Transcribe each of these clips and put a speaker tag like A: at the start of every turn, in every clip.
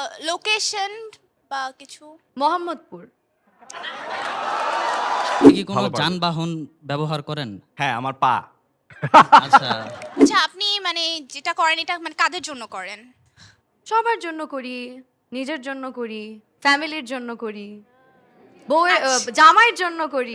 A: Location বা কিছু?
B: মোহাম্মদপুর।
C: আপনি কি কোনো
D: ভালো পারবে।
C: যানবাহন ব্যবহার করেন?
D: হ্যাঁ, আমার পা।
C: আচ্ছা,
A: আচ্ছা, আপনি মানে যেটা করেন এটা মানে কাদের জন্য করেন?
B: সবার জন্য করি, নিজের জন্য করি, ফ্যামিলির জন্য করি, বউয়ের জামাইয়ের জন্য করি।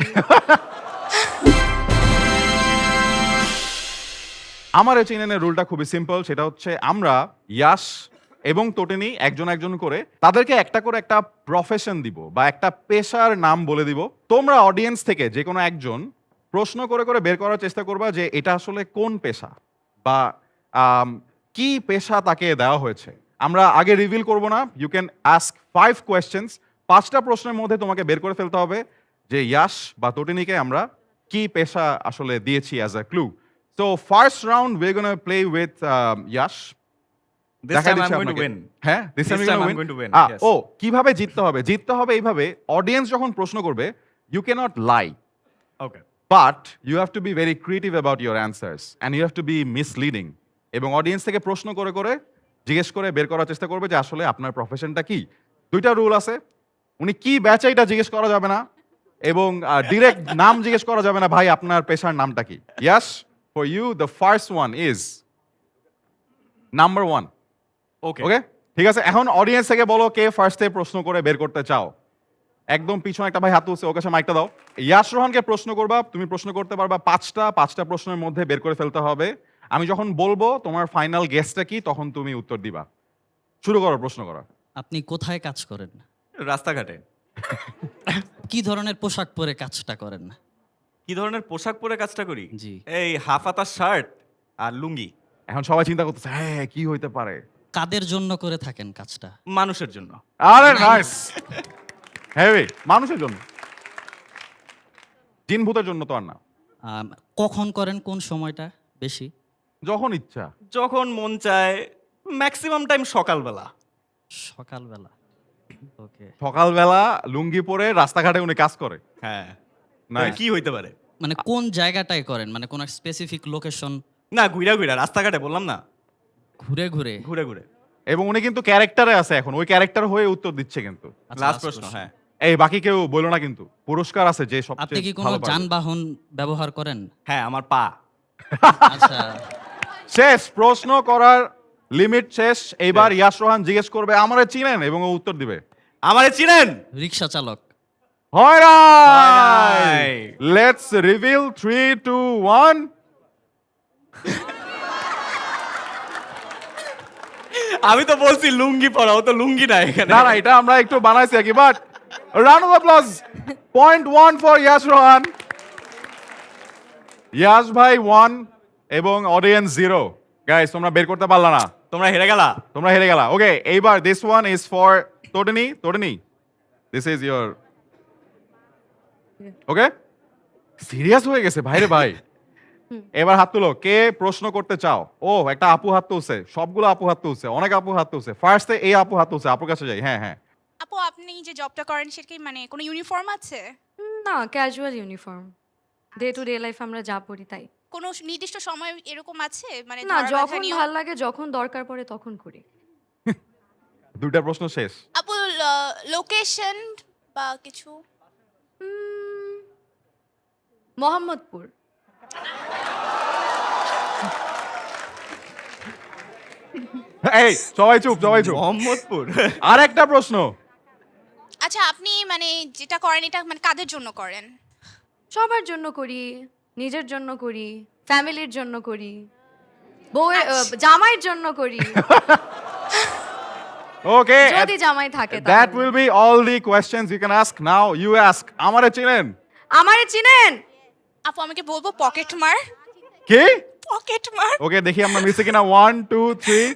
E: আমার এই চিনেনের রুলটা খুবই সিম্পল, সেটা হচ্ছে আমরা ইয়াশ এবং তোটেনি একজন একজন করে তাদেরকে একটা করে একটা প্রফেশন দিব বা একটা পেশার নাম বলে দিব। তোমরা অডিয়েন্স থেকে যে কোনো একজন প্রশ্ন করে করে বের করার চেষ্টা করবা যে এটা আসলে কোন পেশা বা কি পেশা তাকে দেওয়া হয়েছে। আমরা আগে রিভিল করব না, ইউ ক্যান আস্ক 5 কোয়েশ্চেন্স। 5টা প্রশ্নের মধ্যে তোমাকে বের করে ফেলতে হবে যে ইয়াশ বা তোটেনিকে আমরা কি পেশা আসলে দিয়েছি as a clue. So first round we're gonna play with Yash.
D: This
E: দেখাই
D: time I'm
E: দিচ্ছি
D: going to
E: আপনাকে।
D: win.
E: হ্যাঁ, this time
D: This
E: you're
D: time
E: gonna
D: I'm going to win, yes.
E: ও কিভাবে জিততে হবে? জিততে হবে এইভাবে, অডিয়েন্স যখন প্রশ্ন করবে you cannot lie,
D: Okay.
E: but you have to be very creative about your answers and you have to be misleading. এবং অডিয়েন্স থেকে প্রশ্ন করে করে জিজ্ঞেস করে বের করার চেষ্টা করবে যে আসলে আপনার প্রফেশনটা কি। 2টা রুল আছে, উনি কি ব্যাচে এটা জিজ্ঞেস করা যাবে না এবং ডিরেক্ট নাম জিজ্ঞেস করা যাবে না, ভাই আপনার পেশার নামটা কি। ইয়াস, for you the first one is number 1.
D: Okay.
E: ওকে, ঠিক আছে। এখন অডিয়েন্স থেকে বলো কে ফার্স্টে প্রশ্ন করে বের করতে চাও। একদম পিছনে একটা ভাই হাত তুলছে, ওর কাছে মাইকটা দাও। ইয়াশ রোহানকে প্রশ্ন করবা, তুমি প্রশ্ন করতে পারবা 5টা প্রশ্নের মধ্যে বের করে ফেলতে হবে। আমি যখন বলবো তোমার ফাইনাল গেসটা কি তখন তুমি উত্তর দিবা। শুরু করো প্রশ্ন করা।
C: আপনি কোথায় কাজ করেন?
D: রাস্তাঘাটে।
C: কি ধরনের পোশাক পরে কাজটা করেন?
D: কি ধরনের পোশাক পরে কাজটা করি?
C: জি।
D: এই হাফ হাতা শার্ট আর লুঙ্গি।
E: এখন সবাই চিন্তা করতেছে হ্যাঁ কি হইতে পারে।
C: কাদের জন্য করে থাকেন কাজটা?
D: মানুষের জন্য।
E: আরে নাইস, হেভি। মানুষের জন্য, জিন ভূতের জন্য তো আর না।
C: কখন করেন, কোন সময়টা বেশি?
E: যখন ইচ্ছা।
D: যখন মন চায়, ম্যাক্সিমাম টাইম সকালবেলা।
C: সকালবেলা। ওকে,
E: সকালবেলা লুঙ্গি পরে রাস্তাঘাটে উনি কাজ করে।
D: হ্যাঁ।
E: Nice.
D: কি হইতে পারে?
C: মানে কোন জায়গাটায় করেন, মানে কোন স্পেসিফিক লোকেশন?
D: না, ঘুরা রাস্তাঘাটে বললাম না,
C: ঘুরে ঘুরে?
D: ঘুরে ঘুরে।
E: এবং উনি কিন্তু ক্যারেক্টারে আছে, এখন ওই ক্যারেক্টার হয়ে উত্তর দিচ্ছে কিন্তু।
C: আচ্ছা,
D: লাস্ট
C: last
D: প্রশ্ন।
C: question.
D: হ্যাঁ।
E: এই বাকি কেউ বলো না কিন্তু, পুরস্কার আছে যে
C: আপনি
E: সবচেয়ে
C: কি কোনো
E: ভালো পারবে।
C: যানবাহন ব্যবহার করেন?
D: হ্যাঁ, আমার পা।
C: আচ্ছা,
E: শেষ, প্রশ্ন করার লিমিট শেষ। এইবার ইয়াশ রোহান জিজ্ঞেস করবে আমারে চিনেন এবং ও উত্তর দিবে
D: আমারে চিনেন?
C: রিক্সা চালক।
E: হয়
D: হয়
E: নাই।
D: নাই।
E: Let's reveal 3 2 1।
D: আমি তো বলছি লুঙ্গি পরা, ও তো লুঙ্গি নাই এখানে।
E: না না, এটা আমরা একটু বানাইছি আর কি, but round off applause. 0.1 for Yash Rohan. Yash ভাই 1 এবং অডিয়েন্স 0। গাইস তোমরা বের করতে পারলা না,
D: তোমরা হেরে গেলা।
E: তোমরা হেরে গেলা। ওকে, এইবার দিস ওয়ান ইজ ফর তোটেনি। তোটেনি, this is your. Okay, serious হয়ে গেছে ভাইরে ভাই। এবার হাত তুলো, কে প্রশ্ন করতে চাও? ও একটা আপু হাত তুলছে, সবগুলো আপু হাত তুলছে, অনেক আপু হাত তুলছে। ফার্স্টে এই আপু হাত তুলছে, আপুর কাছে যাই। হ্যাঁ হ্যাঁ,
A: আপু, আপনি যে জবটা করেন সেটা কি মানে কোনো ইউনিফর্ম আছে?
B: না, casual uniform. Day to day life আমরা যা পড়ি তাই।
A: কোনো নির্দিষ্ট সময় এরকম আছে মানে
B: না,
A: ধরা বাঁধা
B: যখন
A: নিয়ম?
B: ভাল লাগে, যখন দরকার পড়ে তখন করি।
E: 2টা প্রশ্ন শেষ।
A: আপু, লোকেশন বা কিছু?
B: মোহাম্মদপুর।
E: এই সবাই চুপ, সবাই চুপ।
D: মোহাম্মদপুর।
E: আর একটা প্রশ্ন।
A: আচ্ছা, আপনি মানে যেটা করেন এটা মানে কাদের জন্য করেন?
B: সবার জন্য করি, নিজের জন্য করি, ফ্যামিলির জন্য করি, বউয়ের জামাইয়ের জন্য করি।
E: ওকে,
B: যদি জামাই থাকে
E: that
B: তাহলে।
E: will be all the questions you can ask. Now you ask, আমারে চিনেন?
B: আমারে চিনেন?
A: আপু, আমাকে বলবো পকেট মার।
E: কি?
A: পকেট মার।
E: ওকে, দেখি আমরা মিশে কিনা। 1 2 3।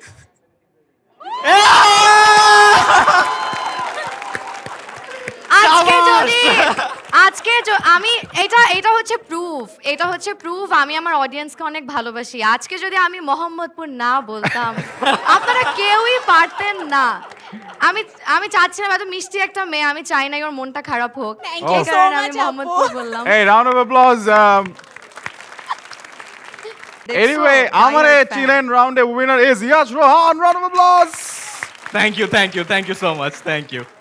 B: আমি এটা হচ্ছে প্রুফ, আমি আমার অডিয়েন্সকে অনেক ভালোবাসি। আজকে যদি আমি মোহাম্মদপুর না বলতাম আপনারা কেউই পারতেন না। আমি চাচ্ছিলাম, এত মিষ্টি একটা মেয়ে, আমি চাই না ওর মনটা খারাপ হোক,
A: Thank
B: এই
A: you so
B: কারণে আমি
A: much,
B: মোহাম্মদপুর
A: আপু।
B: বললাম।
E: Hey, round of applause.
B: দেখছো,
E: Anyway,
B: diehard
E: আমারে
B: fan।
E: চিনেন রাউন্ডে winner is Yash Rohan. Round of applause.
D: Thank you so much thank you